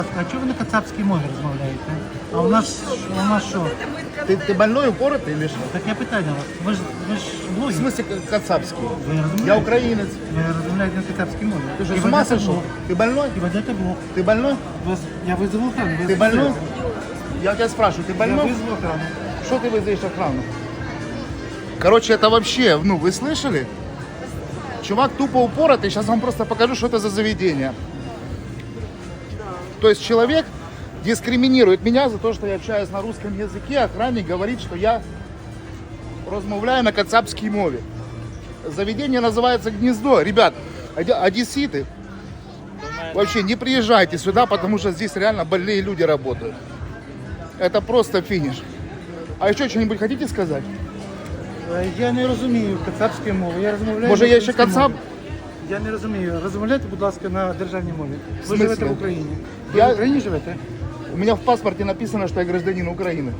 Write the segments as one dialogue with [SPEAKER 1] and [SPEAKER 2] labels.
[SPEAKER 1] А чого ви на кацапській мові розмовляєте? А у нас що?
[SPEAKER 2] Ты больной, упоротый или что?
[SPEAKER 1] Таке питання у вас. Ви ж
[SPEAKER 2] В
[SPEAKER 1] блогер.
[SPEAKER 2] смысле кацапский?
[SPEAKER 1] Ви розумієте?
[SPEAKER 2] Я украинец.
[SPEAKER 1] Ви розмовляєте на кацапській мові.
[SPEAKER 2] Ты что,
[SPEAKER 1] І
[SPEAKER 2] с ума
[SPEAKER 1] ведете
[SPEAKER 2] сошел?
[SPEAKER 1] блог.
[SPEAKER 2] Ты больной?
[SPEAKER 1] І ведете блог.
[SPEAKER 2] Ты больной?
[SPEAKER 1] Я визову охрану.
[SPEAKER 2] Ты больной? Я тебя спрашиваю, ты
[SPEAKER 1] Я
[SPEAKER 2] больной?
[SPEAKER 1] визову охрану.
[SPEAKER 2] Что ты вызовешь охрану? Короче, это вообще, ну, вы слышали? Чувак тупо упоротый, сейчас вам просто покажу, что это за заведение. То есть человек дискриминирует меня за то, что я общаюсь на русском языке, охранник говорит, что я размовляю на кацапской мове. Заведение называется «Гнездо». Ребят, одесситы, вообще не приезжайте сюда, потому что здесь реально больные люди работают. Это просто финиш. А еще что-нибудь хотите сказать?
[SPEAKER 1] Я не розумію кацапської мови. Я розмовляю.
[SPEAKER 2] Може,
[SPEAKER 1] на
[SPEAKER 2] я ще
[SPEAKER 1] українській
[SPEAKER 2] кацап?
[SPEAKER 1] мові. Я не розумію. Розмовляйте, будь ласка, на державній мові. Ви
[SPEAKER 2] смислі?
[SPEAKER 1] живете в Україні. Ви
[SPEAKER 2] Я-
[SPEAKER 1] в Україні живете?
[SPEAKER 2] У меня в паспорте написано, что я гражданин Украины.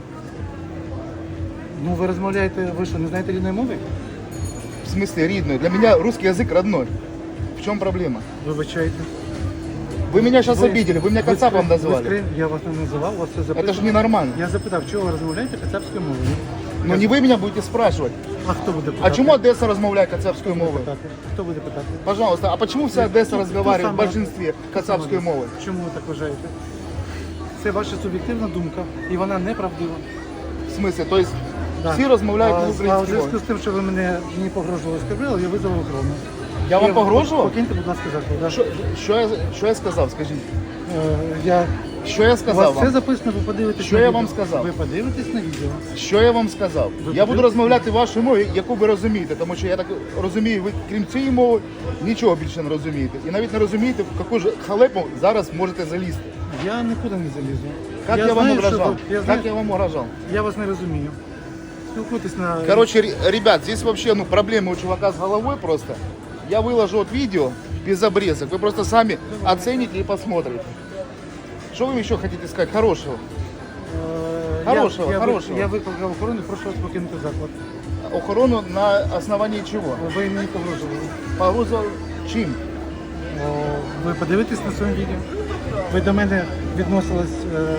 [SPEAKER 1] Ну, ви розмовляєте, ви що, не знаєте рідної мови?
[SPEAKER 2] В смысле ридную? Для меня русский язык родной. В чем проблема?
[SPEAKER 1] Вибачайте.
[SPEAKER 2] Вы меня сейчас обидели, вы меня кацапом назвали.
[SPEAKER 1] Я вас не називав, у вас це запитав.
[SPEAKER 2] Это же ненормально.
[SPEAKER 1] Я запитав, чого ви розмовляєте кацапською мовою?
[SPEAKER 2] Но не вы меня будете спрашивать.
[SPEAKER 1] А хто буде питати?
[SPEAKER 2] А чему Одесса размовляет кацапскую мову?
[SPEAKER 1] питати? Хто буде питати?
[SPEAKER 2] Пожалуйста, а почему вся Одесса разговаривает в
[SPEAKER 1] саме-
[SPEAKER 2] большинстве кацапской
[SPEAKER 1] Хто саме?
[SPEAKER 2] мовой?
[SPEAKER 1] Чому ви так вважаєте? Це ваша суб'єктивна думка, і вона неправдива.
[SPEAKER 2] В смысле? То есть
[SPEAKER 1] Да.
[SPEAKER 2] все размовляют
[SPEAKER 1] А
[SPEAKER 2] на
[SPEAKER 1] в
[SPEAKER 2] украинской
[SPEAKER 1] зв'язку
[SPEAKER 2] мове?
[SPEAKER 1] з тим, що ви мені погрожували, оскорбили, я визвав охорону.
[SPEAKER 2] Я вам погрожував?
[SPEAKER 1] Покиньте, будь ласка, заклад. да.
[SPEAKER 2] Що я сказав, скажіть?
[SPEAKER 1] Я...
[SPEAKER 2] Що я
[SPEAKER 1] У вас
[SPEAKER 2] сказав
[SPEAKER 1] все
[SPEAKER 2] вам?
[SPEAKER 1] записано, ви подивитесь
[SPEAKER 2] Що
[SPEAKER 1] на
[SPEAKER 2] я
[SPEAKER 1] відео.
[SPEAKER 2] вам сказав?
[SPEAKER 1] Ви подивитесь на відео.
[SPEAKER 2] Що я вам сказав? Я буду
[SPEAKER 1] подивитесь?
[SPEAKER 2] розмовляти вашою мовою, яку ви розумієте, тому що я так розумію, ви крім цієї мови нічого більше не розумієте. І навіть не розумієте, в яку ж халепу зараз можете залізти.
[SPEAKER 1] Я нікуди не залізу.
[SPEAKER 2] Як я вам
[SPEAKER 1] знаю, що
[SPEAKER 2] угрожав?
[SPEAKER 1] ви- я, знаю,
[SPEAKER 2] Как я вам угрожав?
[SPEAKER 1] я вас не розумію. Спілкуйтесь на...
[SPEAKER 2] Короче, ребят, здесь вообще проблемы у чувака с головой просто. Я выложу вот видео без обрезок. Вы просто сами оцените и посмотрите. Что вы еще хотите сказать хорошего? Хорошего, хорошего.
[SPEAKER 1] Я викликав охорону, прошу вас покинути заклад.
[SPEAKER 2] Охорону на основании чего?
[SPEAKER 1] Ви мені погрожували.
[SPEAKER 2] Погрузил чим?
[SPEAKER 1] Ви подивитесь на своєму відео. Ви до мене відносились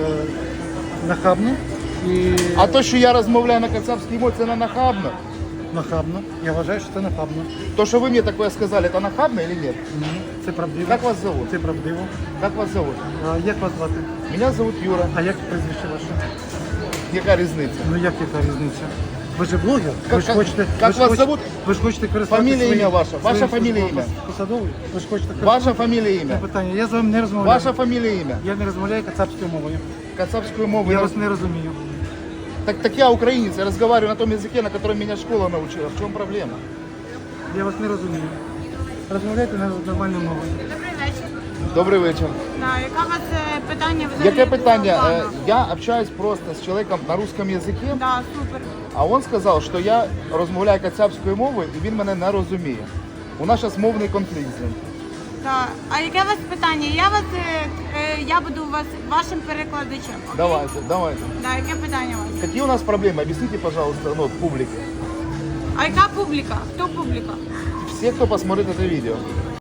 [SPEAKER 1] нахабно і
[SPEAKER 2] А то, що я розмовляю на кацапській мові, це не нахабно.
[SPEAKER 1] нахабно. Я вважаю, що це нахабно.
[SPEAKER 2] То, що ви мені такое сказали, это нахабно или нет?
[SPEAKER 1] Ні, це правдиво.
[SPEAKER 2] Как вас зовут?
[SPEAKER 1] Це правдиво.
[SPEAKER 2] Как вас зовут?
[SPEAKER 1] А як вас звати?
[SPEAKER 2] Меня зовут Юра.
[SPEAKER 1] А як прізвище ваше?
[SPEAKER 2] Яка різниця?
[SPEAKER 1] Ну як яка різниця? Ви ж блогер?
[SPEAKER 2] Как-
[SPEAKER 1] Ви ж хочете,
[SPEAKER 2] как
[SPEAKER 1] ви ж
[SPEAKER 2] вас
[SPEAKER 1] хочете-
[SPEAKER 2] зовут?
[SPEAKER 1] Ви ж хочете користуватися
[SPEAKER 2] Фамілія,
[SPEAKER 1] своїм-
[SPEAKER 2] ім'я ваше. Ваша
[SPEAKER 1] своїм
[SPEAKER 2] фамілія,
[SPEAKER 1] службовим
[SPEAKER 2] ім'я.
[SPEAKER 1] посадовою? Ви ж хочете
[SPEAKER 2] Ваша фамілія, ім'я?
[SPEAKER 1] питання. Я з вами не розмовляю.
[SPEAKER 2] Ваша фамілія, ім'я?
[SPEAKER 1] Я не розмовляю кацапською мовою.
[SPEAKER 2] Кацапскую мову.
[SPEAKER 1] Я вас не розумію.
[SPEAKER 2] Так я украинец, я разговариваю на том языке, на котором меня школа научила. В чем проблема?
[SPEAKER 1] Я вас не розумію. Розмовляйте на нормальною мовою.
[SPEAKER 3] Добрий вечір.
[SPEAKER 2] Добрий вечір.
[SPEAKER 3] Да, яка у вас питання взагалі?
[SPEAKER 2] Яке питання?
[SPEAKER 3] до пана?
[SPEAKER 2] Я общаюсь просто з чоловіком на русском языке,
[SPEAKER 3] Да, супер.
[SPEAKER 2] а він сказав, що я розмовляю кацапською мовою і він мене не розуміє. У нас зараз мовний конфлікт з ним.
[SPEAKER 3] Да. А яке у вас питання? Я буду у вас вашим перекладачем. Окей?
[SPEAKER 2] Давайте.
[SPEAKER 3] Да, яке питання у вас?
[SPEAKER 2] Какие у нас проблемы? Объясните, пожалуйста, публике.
[SPEAKER 3] А яка публіка? Хто публіка?
[SPEAKER 2] Все, кто посмотрит это видео.